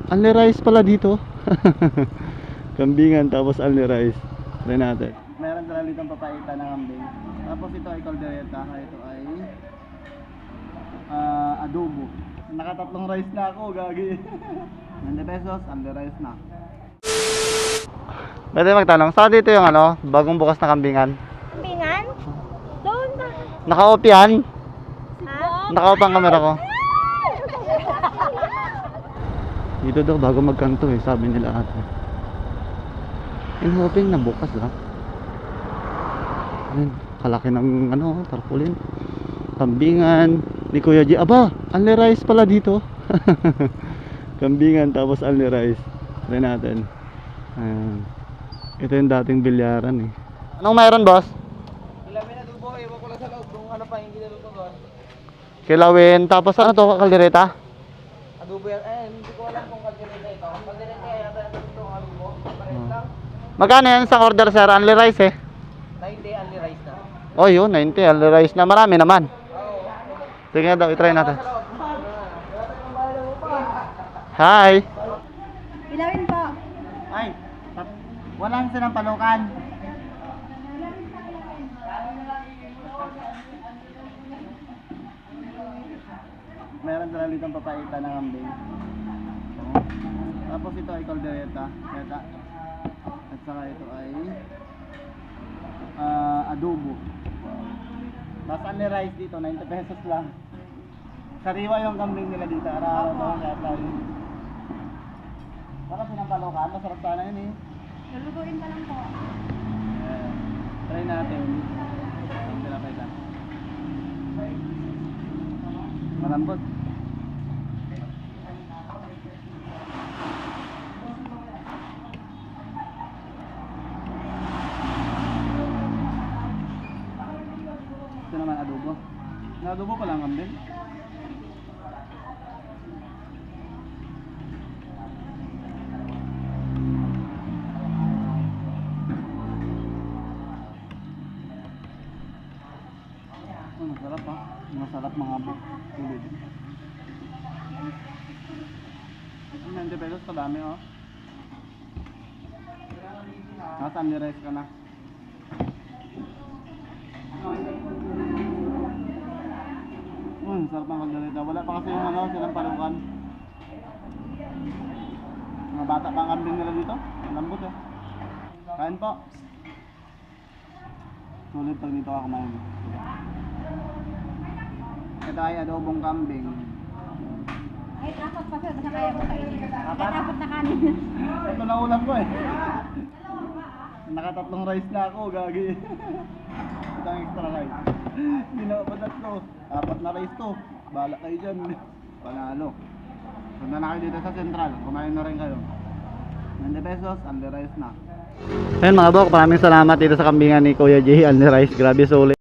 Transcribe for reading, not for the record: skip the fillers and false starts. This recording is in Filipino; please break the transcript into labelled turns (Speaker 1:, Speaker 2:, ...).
Speaker 1: only rice pala dito. Kambingan tapos only rice. Try natin. Meron sila dito papaitan ng kambing. Tapos ito ay caldereta. Ito ay adobo. Nakatatlong rice na ako, gagi. 90 pesos, only rice na. Pwede magtanong, saan dito yung bagong bukas na kambingan?
Speaker 2: Kambingan? Doon na.
Speaker 1: Naka-off yan?
Speaker 2: Ha?
Speaker 1: Naka-off ang camera ko. Dito daw bago magkanto sabi nila ate. In hoping na bukas Ayun, kalaki ng tarpaulin. Kambingan ni Kuya G. Aba, only rice pala dito. Kambingan tapos only rice. Try natin. Ayan. Ito yung dating bilyaran Anong mayroon, boss?
Speaker 3: Kilawin na dubo, iwan ko lang sa loob kung ano pa yung ginalo doon.
Speaker 1: Kilawin, tapos ano to, kaldereta?
Speaker 3: Adobo yan, hindi ko alam kung kaldereta ito. Kung kaldereta yata ito ang adobo, pares lang.
Speaker 1: Magkano yan sa order, sir? Only rice
Speaker 3: 90 only rice na.
Speaker 1: Oh, yun, 90, only rice na. Marami naman. Sige nga daw, itry natin. Hi!
Speaker 2: Ilawin po.
Speaker 3: Ay, walang silang palukan.
Speaker 1: Meron sila dito papaitan ng kambing. Tapos ito ay caldereta. At saka ito ay adobo. Mas only rice dito, 90 pesos lang. Sariwa yung kambing nila dito. Araw-araw doon yata Para pinampalokan, masarap sana yun
Speaker 2: Lulutuin pa lang po.
Speaker 1: Try natin. Pinapaitan. Malambot. Ito naman adobo. Na-adobo pa lang kambing. Masarap masarap mga tulid. 90 pesos kadami Nasa only rice ka na. Sarap ng kaldereta. Wala pa kasi yung silang palukan. Mga bata pang kambing nila dito. Lambot Kain po. Sulit pag dito ka kumain. Ito ay adobong kambing.
Speaker 2: Ay, dapat pa sir. Basta kaya ko kainin. Dapat na kanin.
Speaker 1: Ito na ulam ko Nakatatlong rice na ako, gagi. Ito ang extra rice. Hindi na ba tatlo? 4 na rice to. Bala kayo dyan. Panalo. Punta na kayo dito sa Central. Kumain na rin kayo. 90 pesos, only rice na. Ayun mga bok, maraming salamat dito sa kambingan ni Kuya J. Only rice, grabe sulit.